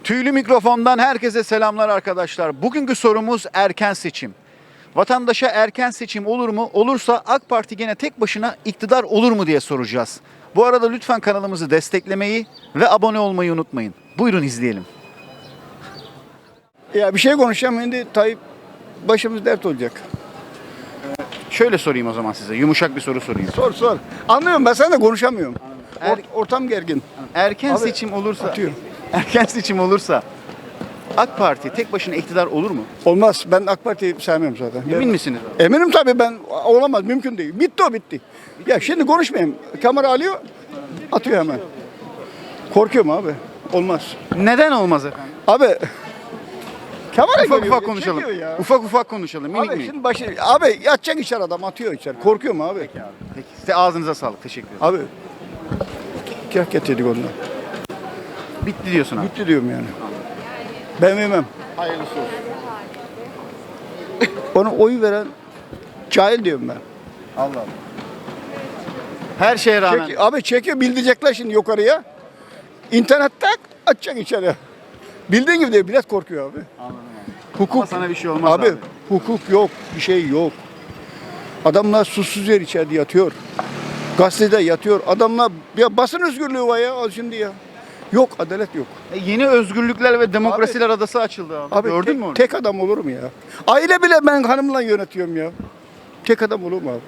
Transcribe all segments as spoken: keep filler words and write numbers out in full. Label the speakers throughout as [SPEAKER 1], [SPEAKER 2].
[SPEAKER 1] Tüylü mikrofondan herkese selamlar arkadaşlar. Bugünkü sorumuz erken seçim. Vatandaşa erken seçim olur mu? Olursa AK Parti gene tek başına iktidar olur mu diye soracağız. Bu arada lütfen kanalımızı desteklemeyi ve abone olmayı unutmayın. Buyurun izleyelim.
[SPEAKER 2] Ya bir şey konuşacağım şimdi Tayyip başımız dert olacak.
[SPEAKER 1] Şöyle sorayım o zaman size. Yumuşak bir soru sorayım.
[SPEAKER 2] Sor sor. Anlıyorum ben sen de konuşamıyorum.
[SPEAKER 1] Er-
[SPEAKER 2] Or- ortam gergin.
[SPEAKER 1] Erken
[SPEAKER 2] Abi,
[SPEAKER 1] seçim olursa
[SPEAKER 2] atıyor.
[SPEAKER 1] Erken seçim olursa AK Parti tek başına iktidar olur mu?
[SPEAKER 2] Olmaz. Ben AK Parti'yi sevmiyorum zaten.
[SPEAKER 1] Emin
[SPEAKER 2] Ben-
[SPEAKER 1] misiniz abi?
[SPEAKER 2] Eminim tabii ben olamaz. Mümkün değil. Bitti o bitti. Ya şimdi konuşmayayım. Kamera alıyor. Atıyor hemen. Korkuyorum abi. Olmaz.
[SPEAKER 1] Neden olmaz efendim?
[SPEAKER 2] Abi kamera
[SPEAKER 1] Ufak
[SPEAKER 2] geliyor,
[SPEAKER 1] ufak konuşalım.
[SPEAKER 2] çekiyor ya.
[SPEAKER 1] Ufak ufak konuşalım. Minik
[SPEAKER 2] Abi
[SPEAKER 1] minik.
[SPEAKER 2] şimdi başı abi yatacak içeri adam atıyor içeri. Korkuyorum abi.
[SPEAKER 1] Peki. Size ağzınıza sağlık. Teşekkür ederim.
[SPEAKER 2] Abi kah getirdik ondan.
[SPEAKER 1] Bitti diyorsun abi.
[SPEAKER 2] Bitti diyorum yani. Ben vermem.
[SPEAKER 1] Hayırlısı olsun.
[SPEAKER 2] Ona oy veren cahil diyorum ben.
[SPEAKER 1] Allah Allah. Her şeye rağmen.
[SPEAKER 2] Çek, abi çekiyor bildirecekler şimdi yukarıya. İnternette açacak içeri. Bildiğin gibi değil, millet korkuyor abi.
[SPEAKER 1] Anladım abi.
[SPEAKER 2] Hukuk.
[SPEAKER 1] Ama sana bir şey olmaz
[SPEAKER 2] abi.
[SPEAKER 1] abi.
[SPEAKER 2] Hukuk yok, bir şey yok. Adamlar susuz yer içeride yatıyor. Gazetede yatıyor. Adamlar ya basın özgürlüğü var ya al şimdi ya. Yok, adalet yok.
[SPEAKER 1] E, yeni özgürlükler ve demokrasiler adası açıldı abi.
[SPEAKER 2] Abi
[SPEAKER 1] Gördün
[SPEAKER 2] tek,
[SPEAKER 1] mü onu?
[SPEAKER 2] tek adam olur mu ya? Aile bile ben hanımla yönetiyorum ya. Tek adam olur mu abi?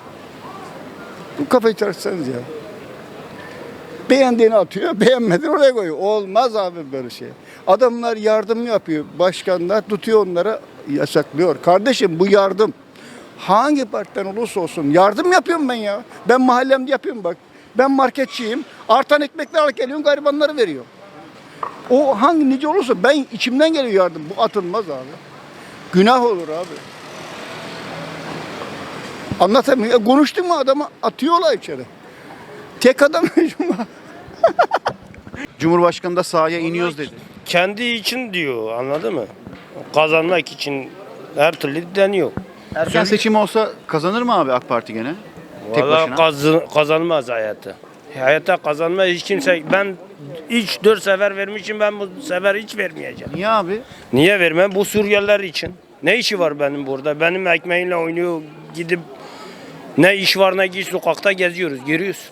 [SPEAKER 2] Bu kafayı çalışsanız ya. Beğendiğini atıyor, beğenmediğini oraya koyuyor. Olmaz abi böyle şey. Adamlar yardım yapıyor. Başkanlar tutuyor onlara yasaklıyor. Kardeşim bu yardım. Hangi partiden olursa olsun yardım yapıyorum ben ya. Ben mahallemde yapıyorum bak. Ben marketçiyim. Artan ekmekler alıp geliyorum garibanlara veriyorum. O hangi nice olursa ben içimden geliyor yardım. Bu atılmaz abi. Günah olur abi. Anlatamıyorum. Konuştun mu adamı atıyorlar içeri. Tek adam
[SPEAKER 1] Cumhurbaşkanı da sahaya iniyoruz dedi.
[SPEAKER 3] Kendi için diyor, anladın mı? Kazanmak için her türlü deniyor.
[SPEAKER 1] Erken seçim olsa kazanır mı abi AK Parti gene? Tek
[SPEAKER 3] Vallahi
[SPEAKER 1] başına.
[SPEAKER 3] kazı- kazanmaz hayata. Hayata kazanmaz hiç kimse. Ben üç dört sefer vermişim, ben bu sefer hiç vermeyeceğim.
[SPEAKER 1] Niye abi?
[SPEAKER 3] Niye vermem? Bu Suriyeliler için. Ne işi var benim burada? Benim ekmeğimle oynuyor, gidip ne iş var ne iş sokakta geziyoruz, giriyoruz.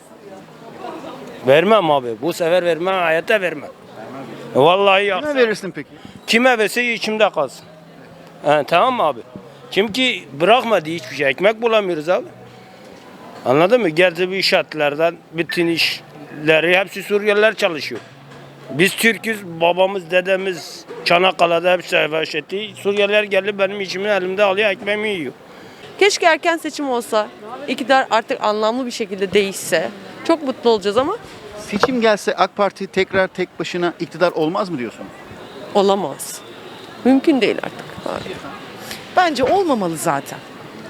[SPEAKER 3] Vermem abi. Bu sefer vermem, hayata vermem. Vallahi ya.
[SPEAKER 1] Kime verirsin peki?
[SPEAKER 3] Kime verse içimde kalsın. He, tamam mı abi? Çünkü bırakmadı hiçbir şey. Ekmek bulamıyoruz abi. Anladın mı? Geldi bu inşaatlardan bütün işleri hepsi Suriyeliler çalışıyor. Biz Türk'üz, babamız, dedemiz Çanakkale'de hepsi savaş etti. Suriyeliler geldi benim içimin elimde alıyor, ekmeğimi yiyor.
[SPEAKER 4] Keşke erken seçim olsa, iktidar artık anlamlı bir şekilde değişse. Çok mutlu olacağız ama
[SPEAKER 1] Seçim gelse AK Parti tekrar tek başına iktidar olmaz mı diyorsun?
[SPEAKER 4] olamaz. Mümkün değil artık. Abi.
[SPEAKER 5] Bence olmamalı zaten.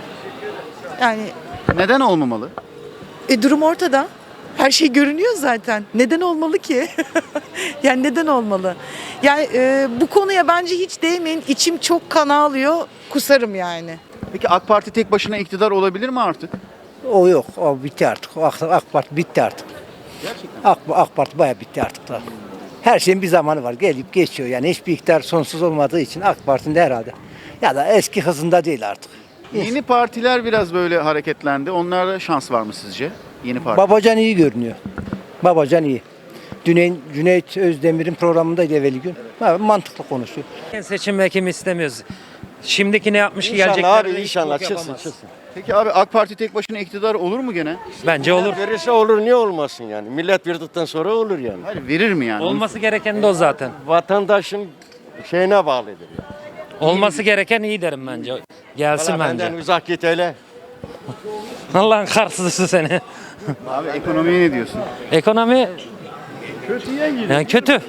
[SPEAKER 5] Yani
[SPEAKER 1] Neden olmamalı?
[SPEAKER 5] e, durum ortada. Her şey görünüyor zaten. Neden olmalı ki? Yani neden olmalı? Yani e, bu konuya bence hiç değmeyin. İçim çok kan ağlıyor. Kusarım yani.
[SPEAKER 1] Peki AK Parti tek başına iktidar olabilir mi artık?
[SPEAKER 6] O yok, o bitti artık. O AK, AK Parti bitti artık.
[SPEAKER 1] Gerçekten.
[SPEAKER 6] AK, AK Parti bayağı bitti artık da. Her şeyin bir zamanı var, gelip geçiyor. Yani hiçbir iktidar sonsuz olmadığı için AK Parti'nin de herhalde. Ya da eski hızında değil artık.
[SPEAKER 1] Yeni partiler biraz böyle hareketlendi. Onlarda şans var mı sizce? Yeni parti.
[SPEAKER 6] Babacan iyi görünüyor. Babacan iyi. Cüneyt, Cüneyt Özdemir'in programındaydı evveli gün. Ha, mantıklı konuşuyor.
[SPEAKER 7] Seçim vekim istemiyoruz. Şimdiki ne yapmış ki
[SPEAKER 8] İnşallah
[SPEAKER 7] gelecekler
[SPEAKER 8] abi inşallah çıksın çıksın.
[SPEAKER 1] Peki abi AK Parti tek başına iktidar olur mu gene?
[SPEAKER 7] Bence olur.
[SPEAKER 8] Verirse olur niye olmasın yani. Millet verdikten sonra olur yani.
[SPEAKER 1] Hayır verir mi yani?
[SPEAKER 7] Olması gereken de o zaten.
[SPEAKER 8] Vatandaşın şeyine bağlıdır yani.
[SPEAKER 7] Olması gereken iyi derim bence. Gelsin
[SPEAKER 8] Valla benden
[SPEAKER 7] bence.
[SPEAKER 8] uzak git hele.
[SPEAKER 7] Allah'ın karsızı seni.
[SPEAKER 1] Abi ekonomiye ne diyorsun?
[SPEAKER 7] Ekonomi yani kötü.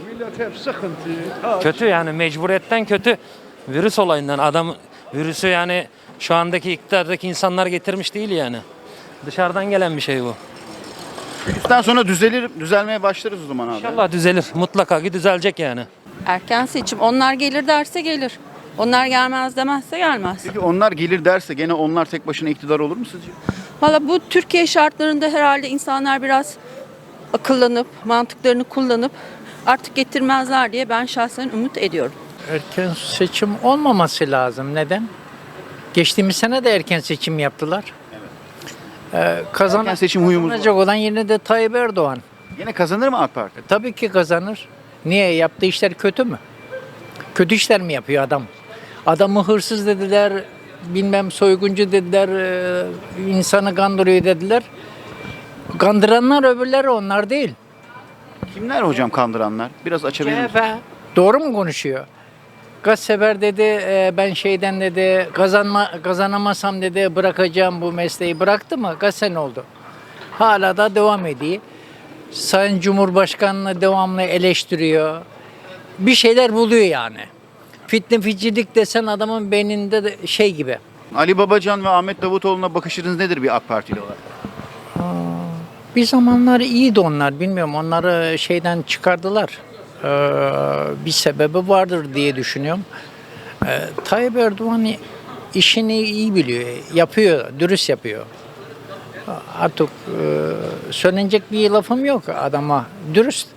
[SPEAKER 7] Kötü yani mecburiyetten kötü. Virüs olayından adam virüsü yani şu andaki iktidardaki insanlar getirmiş değil yani. Dışarıdan gelen bir şey bu.
[SPEAKER 1] Virüsten sonra düzelir, düzelmeye başlarız o zaman abi.
[SPEAKER 7] İnşallah düzelir. Mutlaka ki düzelecek yani.
[SPEAKER 9] Erken seçim. Onlar gelir derse gelir. Onlar gelmez demezse gelmez.
[SPEAKER 1] Peki onlar gelir derse gene onlar tek başına iktidar olur mu sizce?
[SPEAKER 9] Valla bu Türkiye şartlarında herhalde insanlar biraz akıllanıp, mantıklarını kullanıp Artık getirmezler diye ben şahsen umut ediyorum.
[SPEAKER 10] Erken seçim olmaması lazım. Neden? Geçtiğimiz sene de erken seçim yaptılar. Ee, kazan
[SPEAKER 1] Erken seçim huyumuz var.
[SPEAKER 10] kazanacak olan yine de Tayyip Erdoğan.
[SPEAKER 1] Yine kazanır mı AK Parti?
[SPEAKER 10] Tabii ki kazanır. Niye? Yaptığı işler kötü mü? Kötü işler mi yapıyor adam? Adamı hırsız dediler, bilmem soyguncu dediler, e, insanı kandırıyor dediler. Kandıranlar öbürleri, onlar değil.
[SPEAKER 1] Kimler hocam kandıranlar? Biraz açabilir
[SPEAKER 10] C H
[SPEAKER 1] misiniz?
[SPEAKER 10] P doğru mu konuşuyor? Gazeteber dedi, e, ben şeyden dedi, kazanma kazanamasam dedi, bırakacağım bu mesleği. Bıraktı mı? Kaç sene oldu? Hala da devam ediyor. Sayın Cumhurbaşkanı'nı devamlı eleştiriyor. Bir şeyler buluyor yani. Fitne ficilik desen adamın beyninde de şey gibi.
[SPEAKER 1] Ali Babacan ve Ahmet Davutoğlu'na bakışınız nedir bir AK Partili olarak?
[SPEAKER 10] Bir zamanlar iyiydi onlar, bilmiyorum, onları şeyden çıkardılar. Ee, bir sebebi vardır diye düşünüyorum. Ee, Tayyip Erdoğan işini iyi biliyor, yapıyor, dürüst yapıyor. Artık e, söylenecek bir lafım yok adama, dürüst.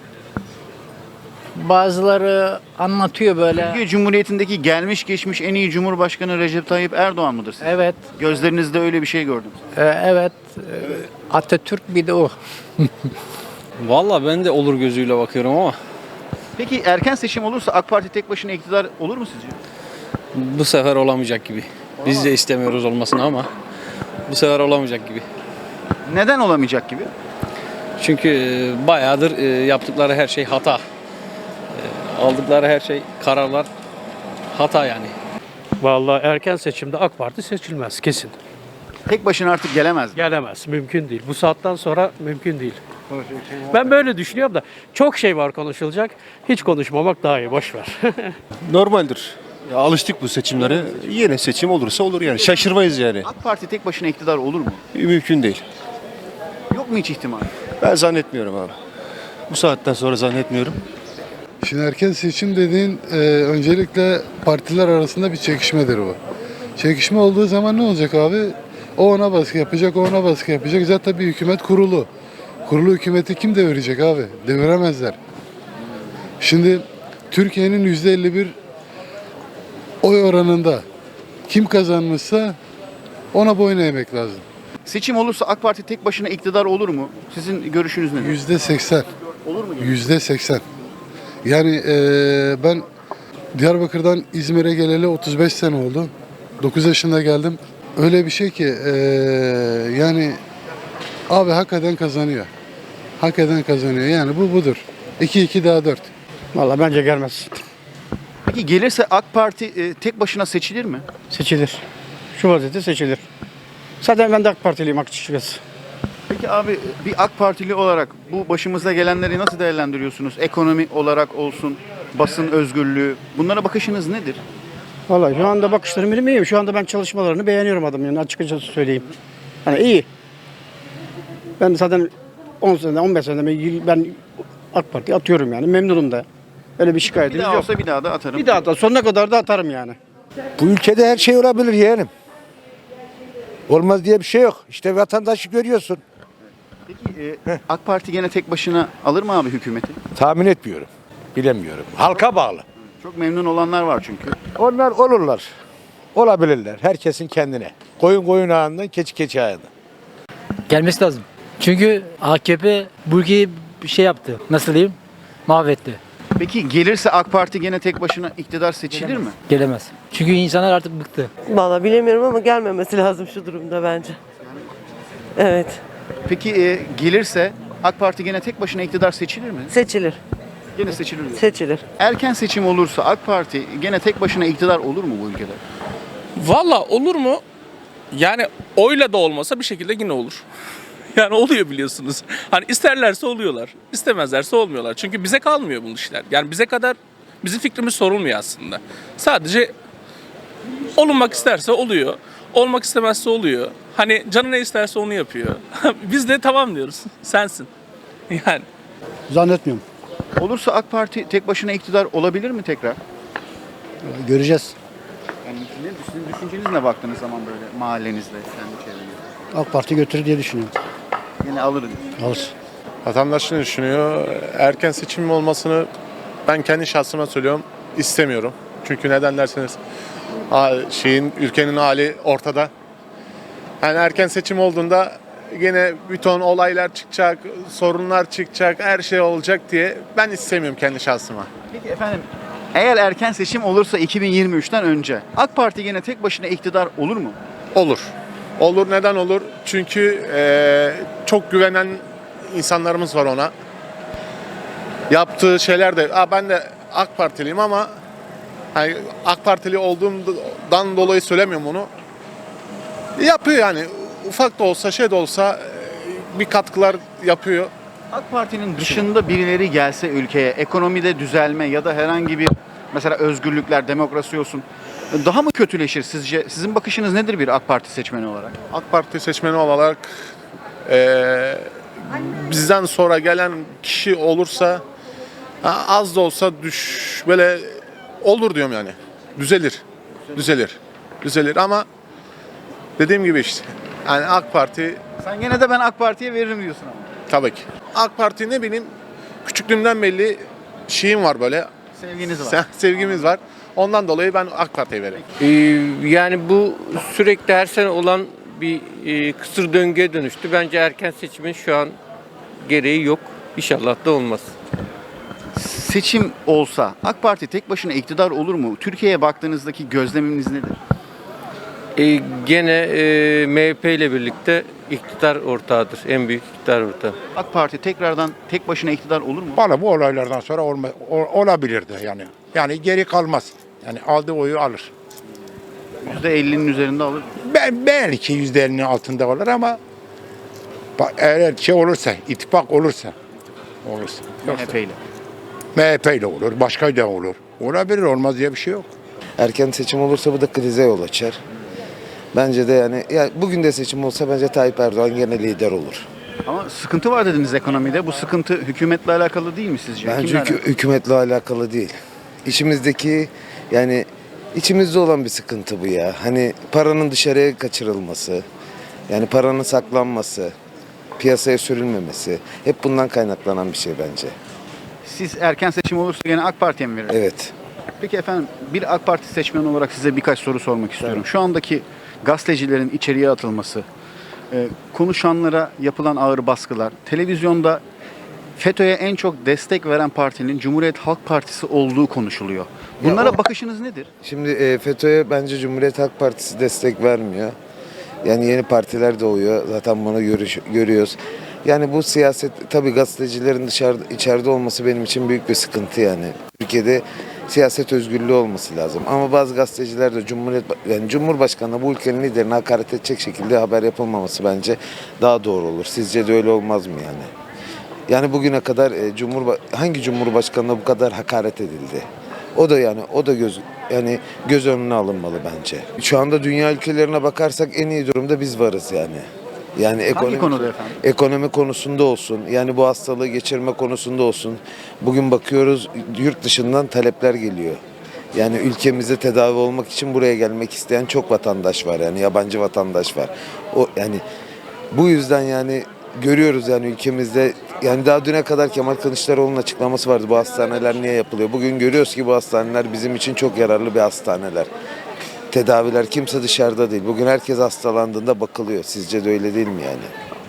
[SPEAKER 10] Bazıları anlatıyor böyle.
[SPEAKER 1] Türkiye Cumhuriyeti'ndeki gelmiş geçmiş en iyi Cumhurbaşkanı Recep Tayyip Erdoğan mıdır sizce?
[SPEAKER 10] Evet,
[SPEAKER 1] Gözlerinizde öyle bir şey gördüm.
[SPEAKER 10] e, evet. E, Atatürk bir de o.
[SPEAKER 11] Vallahi ben de olur gözüyle bakıyorum ama
[SPEAKER 1] Peki erken seçim olursa AK Parti tek başına iktidar olur mu sizce?
[SPEAKER 11] bu sefer olamayacak gibi. Biz de istemiyoruz olmasını ama bu sefer olamayacak gibi.
[SPEAKER 1] Neden olamayacak gibi?
[SPEAKER 11] Çünkü e, bayağıdır e, yaptıkları her şey hata. E, Aldıkları her şey, kararlar hata yani.
[SPEAKER 12] Vallahi erken seçimde AK Parti seçilmez kesin.
[SPEAKER 1] Tek başına artık gelemez mi?
[SPEAKER 12] Gelemez, mümkün değil. Bu saatten sonra mümkün değil. Ben böyle düşünüyorum da çok şey var konuşulacak. Hiç konuşmamak daha iyi, boş ver.
[SPEAKER 13] Normaldir. Ya alıştık bu seçimlere. Yine seçim olursa olur yani. Şaşırmayız yani.
[SPEAKER 1] AK Parti tek başına iktidar olur mu?
[SPEAKER 13] Mümkün değil.
[SPEAKER 1] Yok mu hiç ihtimal?
[SPEAKER 13] Ben zannetmiyorum abi. Bu saatten sonra zannetmiyorum.
[SPEAKER 14] Şimdi erken seçim dediğin e, öncelikle partiler arasında bir çekişmedir bu. Çekişme olduğu zaman ne olacak abi? O ona baskı yapacak, o ona baskı yapacak. Zaten bir hükümet kurulu. Kurulu hükümeti kim devirecek abi? Deviremezler. Şimdi Türkiye'nin yüzde elli bir oy oranında kim kazanmışsa ona boyun eğmek lazım.
[SPEAKER 1] Seçim olursa AK Parti tek başına iktidar olur mu? Sizin görüşünüz nedir?
[SPEAKER 14] Yüzde seksen.
[SPEAKER 1] Olur mu?
[SPEAKER 14] Yüzde seksen. Yani eee, ben Diyarbakır'dan İzmir'e geleli otuz beş sene oldu. dokuz yaşında geldim. Öyle bir şey ki eee, yani abi hak eden kazanıyor. Hak eden kazanıyor. Yani bu budur. iki iki daha dört.
[SPEAKER 12] Vallahi bence gelmez.
[SPEAKER 1] Peki gelirse AK Parti e, tek başına seçilir mi?
[SPEAKER 12] Seçilir. Şu vaziyette seçilir. Zaten ben de AK Partiliyim açıkçası.
[SPEAKER 1] Peki abi bir AK Partili olarak bu başımıza gelenleri nasıl değerlendiriyorsunuz? Ekonomi olarak olsun, basın özgürlüğü. Bunlara bakışınız nedir?
[SPEAKER 12] Vallahi şu anda bakışlarım benim iyi. Şu anda ben çalışmalarını beğeniyorum adamın, yani açıkçası söyleyeyim. Hani iyi. Ben zaten on senede, on beş senede ben AK Parti atıyorum yani. Memnunum da. Öyle bir
[SPEAKER 1] Bir
[SPEAKER 12] şikayetimiz
[SPEAKER 1] daha
[SPEAKER 12] yok.
[SPEAKER 1] olsa bir daha da atarım.
[SPEAKER 12] Bir daha da sonuna kadar da atarım yani.
[SPEAKER 6] Bu ülkede her şey olabilir yeğenim. Olmaz diye bir şey yok. İşte vatandaşı görüyorsun.
[SPEAKER 1] Peki e, AK Parti gene tek başına alır mı abi hükümeti?
[SPEAKER 6] Tahmin etmiyorum. Bilemiyorum. Halka bağlı.
[SPEAKER 1] Çok memnun olanlar var çünkü.
[SPEAKER 6] Onlar olurlar. Olabilirler. Herkesin kendine. Koyun koyun ağından, keçi keçi ağından.
[SPEAKER 10] Gelmesi lazım. Çünkü A K P bu ülkeyi bir şey yaptı. Nasıl diyeyim? Mahvetti.
[SPEAKER 1] Peki gelirse AK Parti gene tek başına iktidar seçilir mi?
[SPEAKER 10] Gelemez. Çünkü insanlar artık bıktı.
[SPEAKER 4] Vallahi bilemiyorum ama gelmemesi lazım şu durumda bence. Evet,
[SPEAKER 1] Peki e, gelirse AK Parti gene tek başına iktidar seçilir mi?
[SPEAKER 4] seçilir.
[SPEAKER 1] Gene seçilir diyor.
[SPEAKER 4] Seçilir.
[SPEAKER 1] Erken seçim olursa AK Parti gene tek başına iktidar olur mu bu ülkede?
[SPEAKER 15] Valla olur mu? Yani oyla da olmasa bir şekilde yine olur. Yani oluyor biliyorsunuz. Hani isterlerse oluyorlar, istemezlerse olmuyorlar. Çünkü bize kalmıyor bu işler. Yani bize kadar bizim fikrimiz sorulmuyor aslında. Sadece olunmak isterse oluyor, olmak istemezse oluyor. Hani canı ne isterse onu yapıyor. Biz de tamam diyoruz, sensin. Yani.
[SPEAKER 12] Zannetmiyorum.
[SPEAKER 1] Olursa AK Parti tek başına iktidar olabilir mi tekrar?
[SPEAKER 12] Göreceğiz.
[SPEAKER 1] Yani ne, sizin düşünceniz ne baktığınız zaman böyle mahallenizde, kendi çevrenizde?
[SPEAKER 12] AK Parti götürür diye düşünüyorum.
[SPEAKER 1] Yine alır diyor.
[SPEAKER 12] Alır.
[SPEAKER 16] Vatandaş ne düşünüyor? Erken seçim olmasını ben kendi şahsıma söylüyorum, istemiyorum. Çünkü neden derseniz ha- şeyin ülkenin hali ortada. Yani erken seçim olduğunda gene bir ton olaylar çıkacak, sorunlar çıkacak, her şey olacak diye ben istemiyorum kendi şahsıma.
[SPEAKER 1] Peki efendim, eğer erken seçim olursa iki bin yirmi üçten önce AK Parti gene tek başına iktidar olur mu?
[SPEAKER 16] Olur. Olur. Neden olur? Çünkü eee, çok güvenen insanlarımız var ona. Yaptığı şeyler de, Aa, ben de AK Partiliyim ama hani AK Partili olduğumdan dolayı söylemiyorum onu. Yapıyor yani. Ufak da olsa, şey de olsa eee, bir katkılar yapıyor.
[SPEAKER 1] AK Parti'nin dışında birileri gelse ülkeye, ekonomide düzelme ya da herhangi bir mesela özgürlükler, demokrasi olsun, daha mı kötüleşir sizce? Sizin bakışınız nedir bir AK Parti seçmeni olarak?
[SPEAKER 16] AK Parti seçmeni olarak eee, bizden sonra gelen kişi olursa ha, az da olsa düş böyle olur diyorum yani. Düzelir. Düzelir. Düzelir ama dediğim gibi işte yani AK Parti
[SPEAKER 1] Sen gene de ben AK Parti'ye veririm diyorsun ama.
[SPEAKER 16] tabii ki. AK Parti ne bileyim küçüklüğümden belli şeyim var böyle.
[SPEAKER 1] Sevginiz var.
[SPEAKER 16] Se- Sevgimiz var. Ondan dolayı ben AK Parti'ye veririm.
[SPEAKER 17] Ee, yani bu sürekli her sene olan bir e, kısır döngüye dönüştü. Bence erken seçimin şu an gereği yok. İnşallah da olmaz.
[SPEAKER 1] Seçim olsa AK Parti tek başına iktidar olur mu? Türkiye'ye baktığınızdaki gözleminiz nedir?
[SPEAKER 17] Ee, gene e, M H P ile birlikte iktidar ortağıdır. En büyük iktidar ortağı.
[SPEAKER 1] AK Parti tekrardan tek başına iktidar olur mu?
[SPEAKER 18] Valla bu olaylardan sonra olma, o- olabilirdi yani. Yani geri kalmaz. Yani aldığı oyu alır.
[SPEAKER 1] yüzde ellinin üzerinde alır.
[SPEAKER 18] Ben belki yüzde ellinin altında olur ama bak, eğer şey olursa, ittifak olursa olursa.
[SPEAKER 1] M H P ile.
[SPEAKER 18] M H P ile olur, başka da olur. Olabilir, olmaz diye bir şey yok.
[SPEAKER 19] Erken seçim olursa bu da krize yol açar. Bence de yani ya bugün de seçim olsa bence Tayyip Erdoğan gene lider olur.
[SPEAKER 1] Ama sıkıntı var dediniz ekonomide. Bu sıkıntı hükümetle alakalı değil mi sizce?
[SPEAKER 19] Bence
[SPEAKER 1] Kimle
[SPEAKER 19] hükü-
[SPEAKER 1] alakalı?
[SPEAKER 19] hükümetle alakalı değil. İçimizdeki yani içimizde olan bir sıkıntı bu ya. Hani paranın dışarıya kaçırılması, yani paranın saklanması, piyasaya sürülmemesi hep bundan kaynaklanan bir şey bence.
[SPEAKER 1] Siz erken seçim olursa gene AK Parti'ye mi verirsiniz?
[SPEAKER 19] Evet.
[SPEAKER 1] Peki efendim, bir AK Parti seçmeni olarak size birkaç soru sormak istiyorum. Şu andaki gazetecilerin içeriye atılması, e, konuşanlara yapılan ağır baskılar, televizyonda FETÖ'ye en çok destek veren partinin Cumhuriyet Halk Partisi olduğu konuşuluyor. Bunlara
[SPEAKER 19] o-
[SPEAKER 1] bakışınız nedir?
[SPEAKER 19] Şimdi e, FETÖ'ye bence Cumhuriyet Halk Partisi destek vermiyor. Yani yeni partiler doğuyor. Zaten bunu görüş, görüyoruz. Yani bu siyaset tabii gazetecilerin dışarıda içeride olması benim için büyük bir sıkıntı yani. Türkiye'de siyaset özgürlüğü olması lazım. Ama bazı gazeteciler de Cumhuriyet yani Cumhurbaşkanı bu ülkenin liderine hakaret edecek şekilde haber yapılmaması bence daha doğru olur. Sizce de öyle olmaz mı yani? Yani bugüne kadar e, Cumhurba hangi Cumhurbaşkanına bu kadar hakaret edildi? O da yani o da göz yani göz önüne alınmalı bence. Şu anda dünya ülkelerine bakarsak en iyi durumda biz varız yani. Yani ekonomi,
[SPEAKER 1] konuda efendim?
[SPEAKER 19] ekonomi konusunda olsun, yani bu hastalığı geçirme konusunda olsun. Bugün bakıyoruz yurt dışından talepler geliyor. Yani ülkemizde tedavi olmak için buraya gelmek isteyen çok vatandaş var yani yabancı vatandaş var. O yani bu yüzden yani görüyoruz yani ülkemizde yani daha düne kadar Kemal Kılıçdaroğlu'nun açıklaması vardı bu hastaneler niye yapılıyor. Bugün görüyoruz ki bu hastaneler bizim için çok yararlı bir hastaneler. Tedaviler kimse dışarıda değil. Bugün herkes hastalandığında bakılıyor. Sizce de öyle değil mi yani?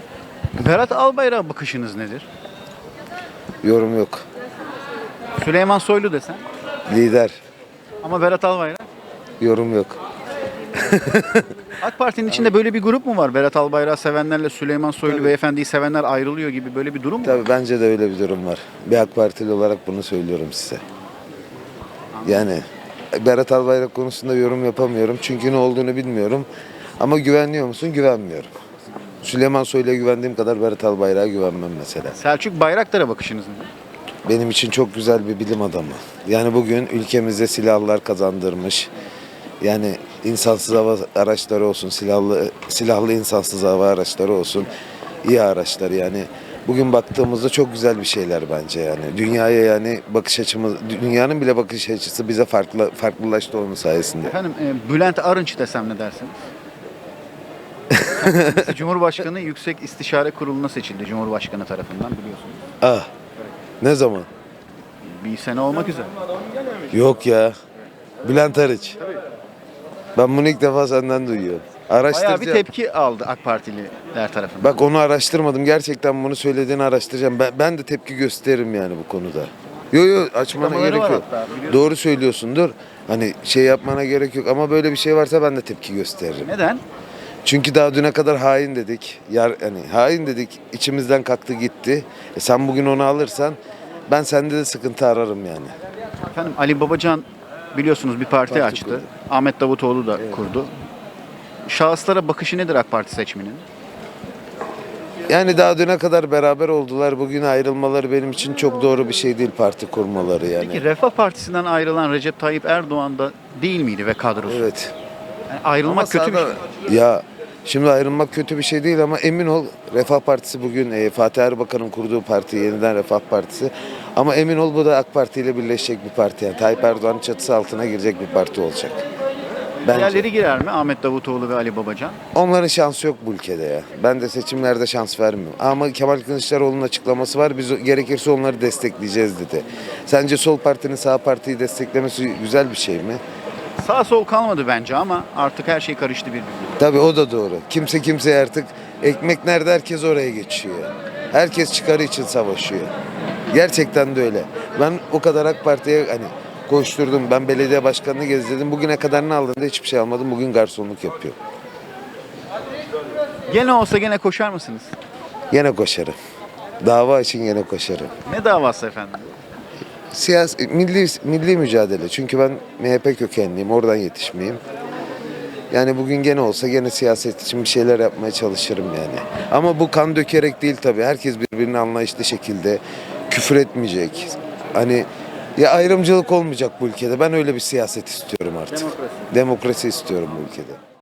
[SPEAKER 1] Berat Albayrak'a bakışınız nedir?
[SPEAKER 19] Yorum yok.
[SPEAKER 1] Süleyman Soylu desen.
[SPEAKER 19] Lider.
[SPEAKER 1] Ama Berat Albayrak.
[SPEAKER 19] Yorum yok.
[SPEAKER 1] AK Parti'nin içinde böyle bir grup mu var? Berat Albayrak'ı sevenlerle Süleyman Soylu beyefendiyi sevenler ayrılıyor gibi böyle bir durum mu?
[SPEAKER 19] Tabii bence de öyle bir durum var. Bir AK Partili olarak bunu söylüyorum size. Yani Berat Albayrak konusunda yorum yapamıyorum. Çünkü ne olduğunu bilmiyorum. Ama güvenliyor musun? Güvenmiyorum. Süleyman Soylu'ya güvendiğim kadar Berat Albayrak'a güvenmem mesela.
[SPEAKER 1] Selçuk Bayraktar'a bakışınız nedir?
[SPEAKER 19] Benim için çok güzel bir bilim adamı. Yani bugün ülkemize silahlar kazandırmış. Yani insansız hava araçları olsun, silahlı silahlı insansız hava araçları olsun, iyi araçlar yani. Bugün baktığımızda çok güzel bir şeyler bence yani. Dünyaya yani bakış açımız, dünyanın bile bakış açısı bize farklı farklılaştı onun sayesinde.
[SPEAKER 1] Efendim e, Bülent Arınç desem ne dersiniz? Kendisi Cumhurbaşkanı Yüksek İstişare Kurulu'na seçildi Cumhurbaşkanı tarafından biliyorsunuz.
[SPEAKER 19] Ah. Ne zaman?
[SPEAKER 1] Bir sene olmak üzere.
[SPEAKER 19] Yok ya. Bülent Arıç. Ben bunu ilk defa senden duyuyorum.
[SPEAKER 1] Bayağı
[SPEAKER 19] Araştıracağım.
[SPEAKER 1] bir tepki aldı AK Partililer tarafından.
[SPEAKER 19] Bak onu araştırmadım. Gerçekten bunu söylediğini araştıracağım. Ben, ben de tepki gösteririm yani bu konuda. Yo yo açmana
[SPEAKER 1] Açıklamaları
[SPEAKER 19] gerek
[SPEAKER 1] var
[SPEAKER 19] yok.
[SPEAKER 1] hatta, biliyorsun.
[SPEAKER 19] Doğru söylüyorsundur. Hani şey yapmana gerek yok ama böyle bir şey varsa ben de tepki gösteririm.
[SPEAKER 1] Neden?
[SPEAKER 19] Çünkü daha düne kadar hain dedik. Yar, hani hain dedik. İçimizden kalktı gitti. E sen bugün onu alırsan ben sende de sıkıntı ararım yani.
[SPEAKER 1] Efendim Ali Babacan biliyorsunuz bir parti,
[SPEAKER 19] Parti
[SPEAKER 1] açtı.
[SPEAKER 19] kurdu.
[SPEAKER 1] Ahmet Davutoğlu da kurdu. Şahıslara bakışı nedir AK Parti seçmeninin?
[SPEAKER 19] Yani daha düne kadar beraber oldular. Bugün ayrılmaları benim için çok doğru bir şey değil parti kurmaları yani.
[SPEAKER 1] Peki Refah Partisi'nden ayrılan Recep Tayyip Erdoğan da değil miydi ve kadrosu?
[SPEAKER 19] Evet.
[SPEAKER 1] Yani ayrılmak
[SPEAKER 19] Ama
[SPEAKER 1] kötü bir şey.
[SPEAKER 19] sağda- Ya şimdi ayrılmak kötü bir şey değil ama emin ol Refah Partisi bugün e, Fatih Erbakan'ın kurduğu parti yeniden Refah Partisi. Ama emin ol bu da AK Parti ile birleşecek bir parti. Yani Tayyip Erdoğan'ın çatısı altına girecek bir parti olacak. Bence.
[SPEAKER 1] Diğerleri girer mi? Ahmet Davutoğlu ve Ali Babacan.
[SPEAKER 19] Onların şansı yok bu ülkede ya. Ben de seçimlerde şans vermiyorum. Ama Kemal Kılıçdaroğlu'nun açıklaması var. Biz o- gerekirse onları destekleyeceğiz dedi. Sence sol partinin sağ partiyi desteklemesi güzel bir şey mi?
[SPEAKER 1] Sağ sol kalmadı bence ama artık her şey karıştı birbirine.
[SPEAKER 19] Tabii o da doğru. Kimse kimseye artık ekmek nerede herkes oraya geçiyor. Herkes çıkarı için savaşıyor. Gerçekten de öyle. Ben o kadar AK Parti'ye hani koşturdum. Ben belediye başkanını gezdirdim. Bugüne kadar ne aldım da hiçbir şey almadım. Bugün garsonluk yapıyorum.
[SPEAKER 1] Gene olsa gene koşar mısınız?
[SPEAKER 19] Yine koşarım. Dava için yine koşarım.
[SPEAKER 1] Ne davası efendim?
[SPEAKER 19] Siyasi, milli, milli mücadele. Çünkü ben M H P kökenliyim. Oradan yetişmeyeyim. Yani bugün gene olsa gene siyaset için bir şeyler yapmaya çalışırım yani. Ama bu kan dökerek değil tabii. Herkes birbirine anlayışlı şekilde küfür etmeyecek. Hani ya ayrımcılık olmayacak bu ülkede. Ben öyle bir siyaset istiyorum artık.
[SPEAKER 1] Demokrasi.
[SPEAKER 19] Demokrasi istiyorum bu ülkede.